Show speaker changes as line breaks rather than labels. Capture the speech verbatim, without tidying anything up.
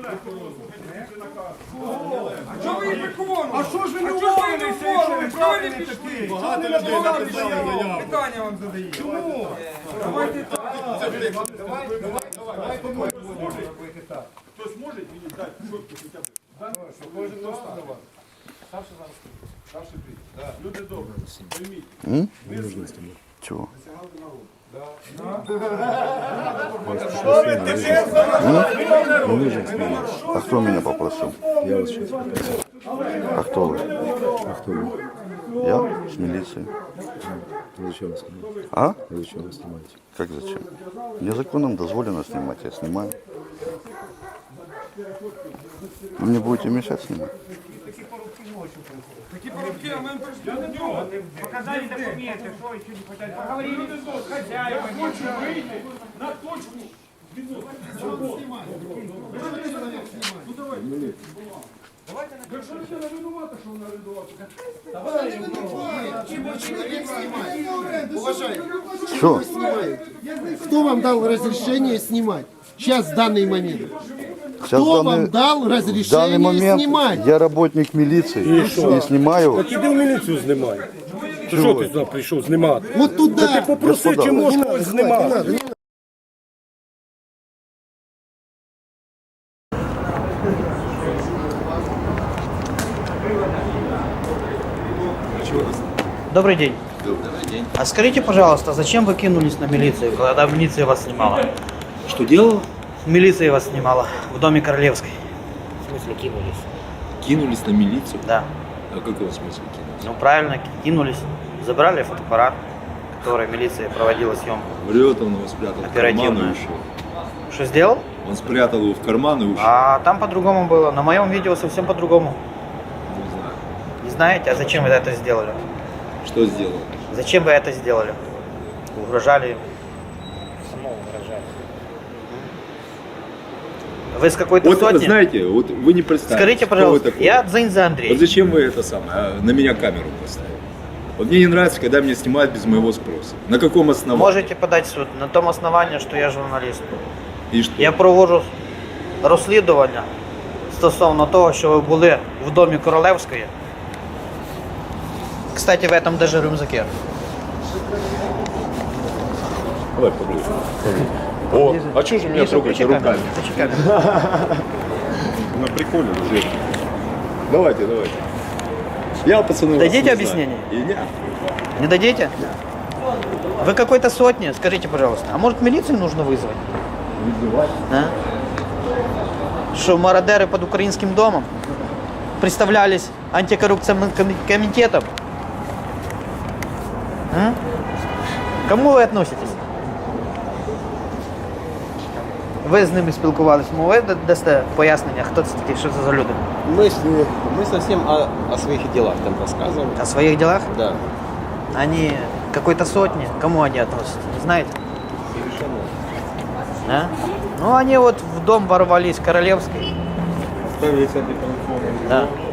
А чого ви їх виконуєте?
А що ж ви не
А чого ж ви не
уволилися, якщо ви
уволили?
правильно
Чого ви не
такі?
пішли?
Багато людей написали заяву.
Питання вам задаю.
Чому?
Давайте так.
Хтось може мені дати чітко хоча б?
Кожен раз давати.
Старший ти. Люди добрі, пойміть.
Чего? А кто меня попросил?
Я вас сейчас попросил.
А кто вы?
А кто вы?
Я с милицией.
Вы зачем вас снимаете?
А?
Вы зачем вас снимаете?
Как зачем? Мне законом дозволено снимать, я снимаю. Вы мне будете мешать снимать?
Такі порубки, а ми прийшли до нього.
Показали документы, что еще не хотят. Поговорили с хозяевами.
Хочу вийти на точку. Якщо людина винувата, що вона винувата.
Уважаемый,
Что?
кто вам дал разрешение снимать? Сейчас, в данный момент.
Сейчас
Кто
в
вам
данный,
дал
в данный
разрешение
момент
снимать?
я работник милиции и, снимаю.
Так іди в міліцію знімай. Ти що ти сюди прийшов знімати?
Вот туда.
Ти попроси,
Господа.
чи можна когось знімати.
Добрый день.
Добрый день.
А скажите, пожалуйста, зачем вы кинулись на милицию, когда милиция вас снимала?
Что делал?
Милиция вас снимала в доме Королевской.
В смысле кинулись?
Кинулись на милицию?
Да.
А в каком смысле кинулись?
Ну правильно, кинулись. Забрали фотоаппарат, который милиция проводила съемку.
Врет, он его спрятал в карман
Оперативно.
и ушел.
Что сделал?
Он спрятал его в карман и ушел.
А там по-другому было. На моем видео совсем по-другому.
Не знаю.
Не знаете, а зачем вы это сделали?
Что сделал?
Зачем вы это сделали? Угрожали им.
Само угрожали.
Вы с какой-то
Вот
сотни?
знаете, вот вы не представляете.
Скажите,
кто вы
пожалуйста,
такой.
я Дзиньза Андрей.
Вот зачем вы это самое, а, на меня камеру поставили? Вот мне не нравится, когда меня снимают без моего спроса. На каком основании?
Можете подать в суд на том основании, що я журналіст.
И что?
Я проводжу розслідування стосовно того, що ви були в домі Королевської. Кстати, в этом даже рюкзаке.
Давай поближе. О, а что же меня трогаете руками? На приколе уже. Давайте, давайте. Я, пацаны,
Дадите
вас не
объяснение?
знаю. И нет.
Не дадите? Вы какой-то сотни, скажите, пожалуйста. А может милицию нужно вызвать? А? Что мародеры под украинским домом представлялись антикоррупционным ком- комитетом? А? К Кому ви относитесь? Ви з ними спілкувалися, ви дасте пояснення, хто це такі, що це за люди?
Мы, с- мы совсем о, о своих делах там рассказываем.
О своих делах?
Да.
Они какой-то сотни, к кому они относятся, не знаете? Да? Ну, они вот в дом ворвались Королевской.
Ставили себе телефон.
Да.